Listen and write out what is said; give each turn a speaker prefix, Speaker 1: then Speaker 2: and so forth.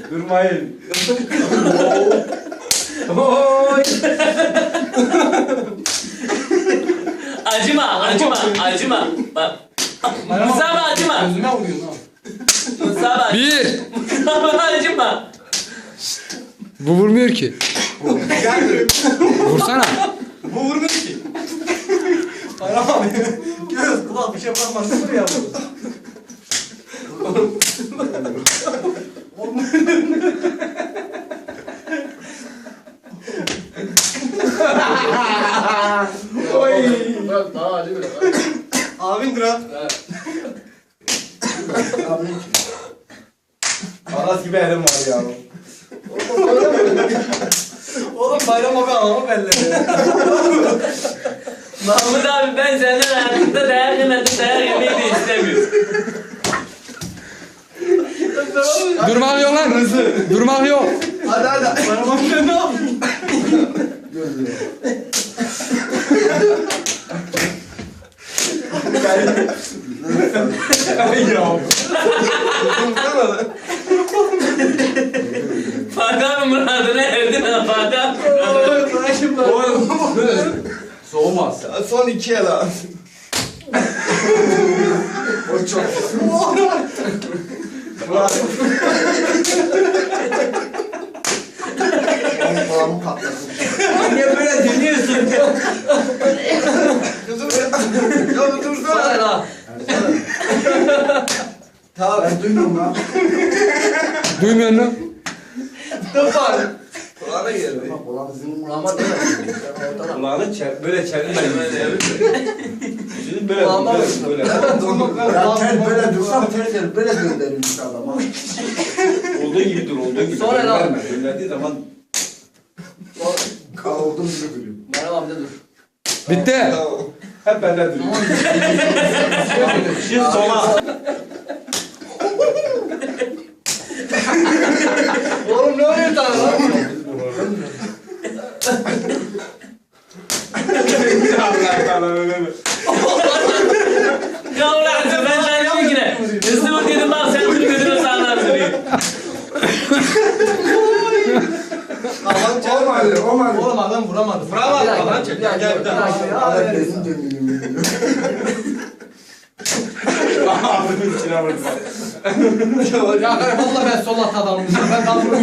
Speaker 1: Durmayın.
Speaker 2: Oy.
Speaker 3: Acıma. Bak. Mustafa acıma.
Speaker 2: Gözüme vuruyorsun ha.
Speaker 3: Mustafa.
Speaker 4: Bir.
Speaker 3: Mustafa acıma.
Speaker 4: Bu vurmuyor ki. Vursana.
Speaker 2: Bu vurmuyor ki. Bayram abi. Göz kulak bir şey bırakmaz. Sıfır ya bu. Oy.
Speaker 1: Bırak daha acı biraz.
Speaker 2: Abindir ha.
Speaker 1: Aras gibi elim var ya.
Speaker 2: Oğlum Bayram abi anamı belledi.
Speaker 3: Mahmut abi ben senden hayatımda dayak yemedim, dayak yemeyi de istemiyorum.
Speaker 4: Durmak yok lan. Durmak yok.
Speaker 2: Hadi. Bayram abi sen ne yapıyorsun?
Speaker 1: Ay ya.
Speaker 3: Fatih abi muradına erdin ha Fatih abi.
Speaker 1: Soğumaz.
Speaker 5: Son 2 el abi. O çok. Kulağımı patlasın.
Speaker 2: Niye böyle dinliyorsun ya?
Speaker 5: Ya dursana.
Speaker 2: Sana la.
Speaker 5: Tamam ben duymuyorum lan.
Speaker 4: Duymuyor musun?
Speaker 5: Kulağına geliyor. Kulağım sizin kulağıma değil.
Speaker 1: Kulağını böyle çevirmeyin. Şimdi böyle
Speaker 2: Kulağıma
Speaker 1: böyle.
Speaker 5: Ya tel böyle dursam tel böyle gönderilmiş adama.
Speaker 1: Olduğu gibi dur, olduğu gibi.
Speaker 2: Sonra lan.
Speaker 1: Gönderme. Gönderdiği zaman
Speaker 5: Olduğum gibi duruyorum.
Speaker 2: Bayram abi de dur.
Speaker 4: Bitti.
Speaker 1: hep bende duruyor. Şimdi sola.
Speaker 2: Oğlum ne oluyor sana lan?
Speaker 1: Allah Allah öyle.
Speaker 3: Ya ulan ben sana dedim ki ne? Hızlı dedim bak sen bunu gözüne sağlar sürüyor.
Speaker 5: Olmadı.
Speaker 2: Oğlum adam vuramadı.
Speaker 1: Vuramadı, lan çek. Gel, gel, gel.
Speaker 5: Adam gözüm dönüyor.
Speaker 1: Ağzımın içine vurdu.
Speaker 2: Ya valla ben sol at adamım. Ben kalkıyorum.